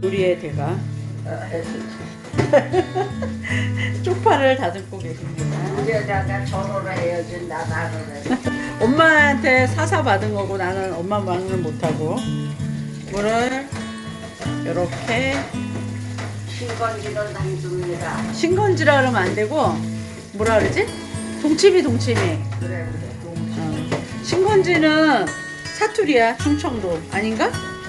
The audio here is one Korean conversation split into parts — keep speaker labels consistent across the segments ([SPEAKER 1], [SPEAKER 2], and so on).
[SPEAKER 1] 요리의 대가 쪽파를 다듬고 계십니다.
[SPEAKER 2] 우리에다가 전화를 해야지 나 나를
[SPEAKER 1] 엄마한테 사사 받은 거고 나는 엄마 말을 못하고 물을 이렇게
[SPEAKER 2] 신건지는 안 줍니다.
[SPEAKER 1] 신건지라 그러면 안 되고 뭐라 그러지? 동치미
[SPEAKER 2] 그래
[SPEAKER 1] 신건지는 사투리야. 충청도 아닌가?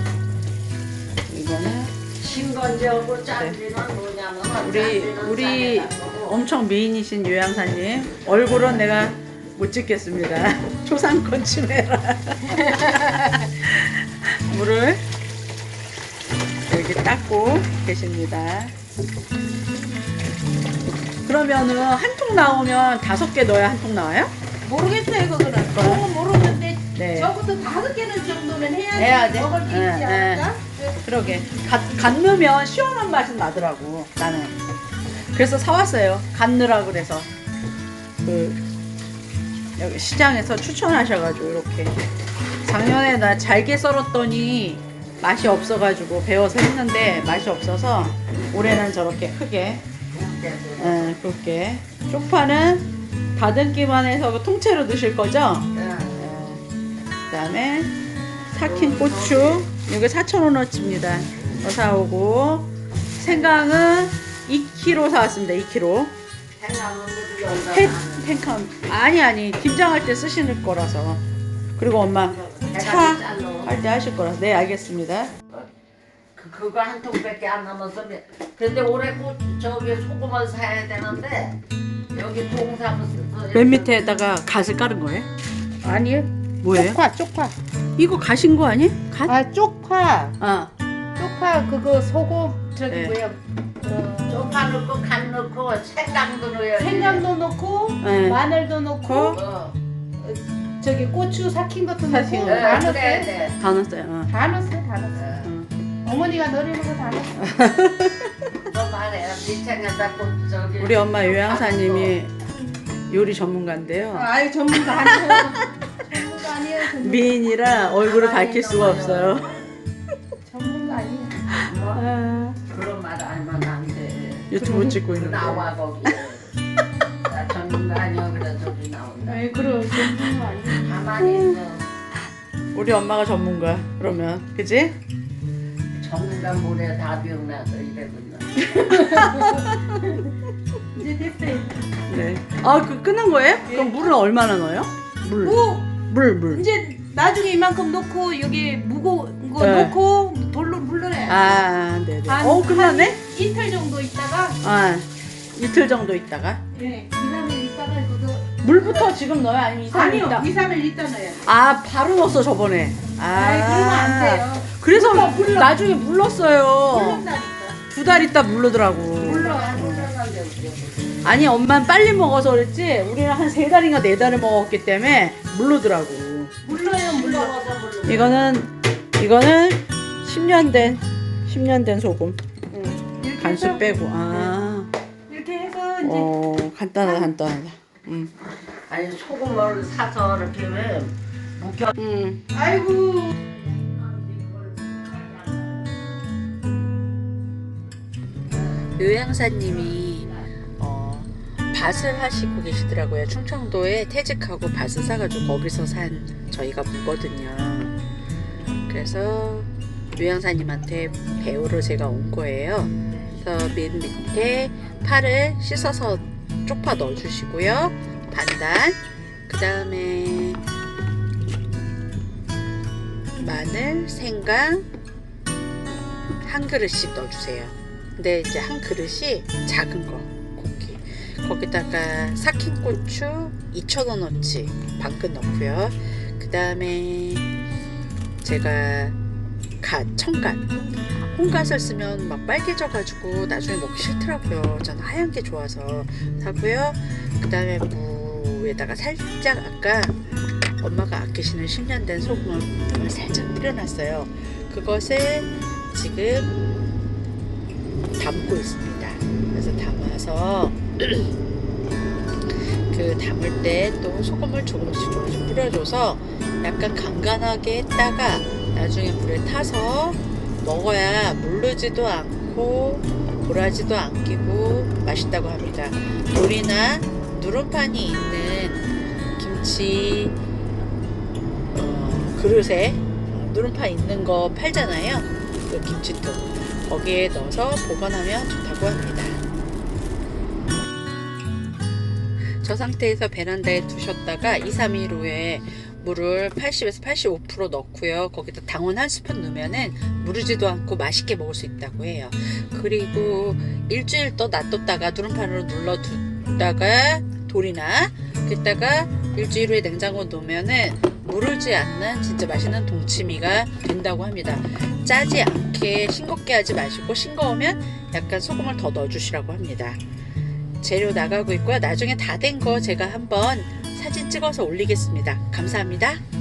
[SPEAKER 1] 이거는
[SPEAKER 2] 신건지하고 짠지는 뭐냐면
[SPEAKER 1] 우리 엄청 미인이신 요양사님 얼굴은 내가 못 찍겠습니다. 초상권 침해라. 물을 이렇게 닦고 계십니다. 그러면은 한 통 나오면 5개 넣어야 한 통 나와요?
[SPEAKER 3] 모르겠어요 그거는. 그건 모르는데
[SPEAKER 1] 네.
[SPEAKER 3] 적어도 5개는 정도는
[SPEAKER 1] 해야 돼?
[SPEAKER 3] 먹을 게 있지
[SPEAKER 1] 네,
[SPEAKER 3] 않을까?
[SPEAKER 1] 그러게 갓 넣으면 시원한 맛은 나더라고 나는. 그래서 사왔어요. 갓 넣으라 그래서 여기 시장에서 추천하셔가지고 이렇게 작년에 나 잘게 썰었더니 맛이 없어가지고 배워서 했는데 맛이 없어서 올해는 저렇게 크게 그렇게 쪽파는 다듬기만 해서 통째로 넣으실 거죠? 그 다음에 삭힌 고추 이거 4,000원어치입니다. 사오고 생강은 2kg 사왔습니다. 2kg. 팽칸 아니 김장할 때 쓰시는 거라서. 그리고 엄마 차 할 때 하실 거라서. 네 알겠습니다.
[SPEAKER 2] 그거 한 통밖에 안 남았어. 근데 올해 꼭 저기 소금을 사야 되는데 여기 동사무소
[SPEAKER 1] 맨 밑에다가 갓을 깔은 거예요?
[SPEAKER 3] 아니요.
[SPEAKER 1] 뭐예요?
[SPEAKER 3] 쪽파.
[SPEAKER 1] 이거 가신 거 아니에요? 갓?
[SPEAKER 3] 아 쪽파.
[SPEAKER 1] 아,
[SPEAKER 3] 쪽파 그거 소금 저기
[SPEAKER 1] 네.
[SPEAKER 3] 뭐야?
[SPEAKER 2] 쪽파 넣고 간 넣고 생강도 넣어야 돼.
[SPEAKER 3] 생강도 넣고
[SPEAKER 1] 네.
[SPEAKER 3] 마늘도 넣고
[SPEAKER 2] 어.
[SPEAKER 3] 저기 고추 삭힌 것도
[SPEAKER 1] 삭힌
[SPEAKER 3] 넣고
[SPEAKER 1] 거.
[SPEAKER 3] 다
[SPEAKER 2] 그래
[SPEAKER 3] 넣었어요.
[SPEAKER 2] 돼.
[SPEAKER 1] 다 넣었어요.
[SPEAKER 3] 다 넣었어요. 어머니가 넣으려는 거 다 넣었어.
[SPEAKER 2] 너 말해. 미창에다 꼭 저기.
[SPEAKER 1] 우리 엄마 요양사님이 요리 전문가인데요.
[SPEAKER 3] 아이 전문가 아니에요. 전문가 아니에요.
[SPEAKER 1] 미인이라 얼굴을 밝힐 수가 없어요.
[SPEAKER 3] 전문가 아니에요.
[SPEAKER 2] 뭐, 그런 말 알면 안 돼.
[SPEAKER 1] 유튜브 찍고 있는데.
[SPEAKER 2] 나와 거기. 나 전문가 아니야 그래 저기 나온다.
[SPEAKER 3] 아이 그럼 전문가 아니에요.
[SPEAKER 2] 가만히 있어.
[SPEAKER 1] 우리 엄마가 전문가. 그러면 그지?
[SPEAKER 2] 전문가 모래 다 병나서 이래군요.
[SPEAKER 3] 이제 됐어요.
[SPEAKER 1] 네. 아, 끝난 거예요? 그럼 물은 얼마나 넣어요? 물. 물.
[SPEAKER 3] 이제 나중에 이만큼 넣고 여기 무거운 거
[SPEAKER 1] 네.
[SPEAKER 3] 넣고 돌로 물러내.
[SPEAKER 1] 아, 네네.
[SPEAKER 3] 한-
[SPEAKER 1] 끝났네?
[SPEAKER 3] 한 이틀 정도 있다가
[SPEAKER 1] 아, 이틀 정도 있다가.
[SPEAKER 3] 네, 2, 3일 있다가 그거
[SPEAKER 1] 물부터 지금 넣어요? 아니면 2, 3일
[SPEAKER 3] 아니요,
[SPEAKER 1] 있다?
[SPEAKER 3] 2, 3일 있다 넣어야 돼.
[SPEAKER 1] 아, 바로 넣었어, 저번에.
[SPEAKER 3] 아이 그러면 안 돼요.
[SPEAKER 1] 그래서
[SPEAKER 3] 물러.
[SPEAKER 1] 나중에 물렀어요.
[SPEAKER 3] 물른다니까.
[SPEAKER 1] 2달 있다 물르더라고.
[SPEAKER 3] 물러.
[SPEAKER 1] 아니, 엄마는 빨리 먹어서 그랬지, 우리는 한 3달인가 4달을 먹었기 때문에 물르더라고.
[SPEAKER 3] 물러요, 물러.
[SPEAKER 1] 이거는 10년 된 소금.
[SPEAKER 3] 이렇게
[SPEAKER 1] 간수
[SPEAKER 3] 해서
[SPEAKER 1] 빼고. 아,
[SPEAKER 3] 이렇게 해서 이제
[SPEAKER 1] 간단하다.
[SPEAKER 2] 아니 소금을 사서 이렇게 왜 묵혀.
[SPEAKER 3] 아이고
[SPEAKER 1] 요양사님이 밭을 하시고 계시더라고요. 충청도에 퇴직하고 밭을 사가지고 거기서 산 저희가 묵거든요. 그래서 요양사님한테 배우러 제가 온 거예요. 그래서 맨 밑에 파를 씻어서 쪽파 넣어주시고요. 반반. 그 다음에 마늘, 생강 한 그릇씩 넣어주세요. 근데 이제 한 그릇이 작은 거 고기. 거기다가 삭힌 고추 2,000원어치 반끝 넣고요. 그 다음에 제가 청갓, 홍갓을 쓰면 막 빨개져가지고 나중에 먹기 싫더라고요. 저는 하얀 게 좋아서 사고요. 그 다음에 무에다가 살짝 아까 엄마가 아끼시는 10년 된 소금을 살짝 뿌려놨어요. 그것을 지금 담고 있습니다. 그래서 담아서 그 담을 때 또 소금을 조금씩 뿌려줘서 약간 간간하게 했다가 나중에 물에 타서 먹어야 물르지도 않고 고라지도 안 끼고 맛있다고 합니다. 돌이나 누름판이 있는 김치 그릇에 누름판 있는 거 팔잖아요. 그 김치통 거기에 넣어서 보관하면 좋다고 합니다. 저 상태에서 베란다에 두셨다가 2, 3일 후에 물을 80에서 85% 넣고요. 거기다 당원 한 스푼 넣으면은 무르지도 않고 맛있게 먹을 수 있다고 해요. 그리고 일주일 또 놔뒀다가 누름판으로 눌러두다가 돌이나 그랬다가 일주일 후에 냉장고에 놓으면은 무르지 않는 진짜 맛있는 동치미가 된다고 합니다. 짜지 않게 싱겁게 하지 마시고 싱거우면 약간 소금을 더 넣어주시라고 합니다. 재료 나가고 있고요. 나중에 다 된 거 제가 한번 사진 찍어서 올리겠습니다. 감사합니다.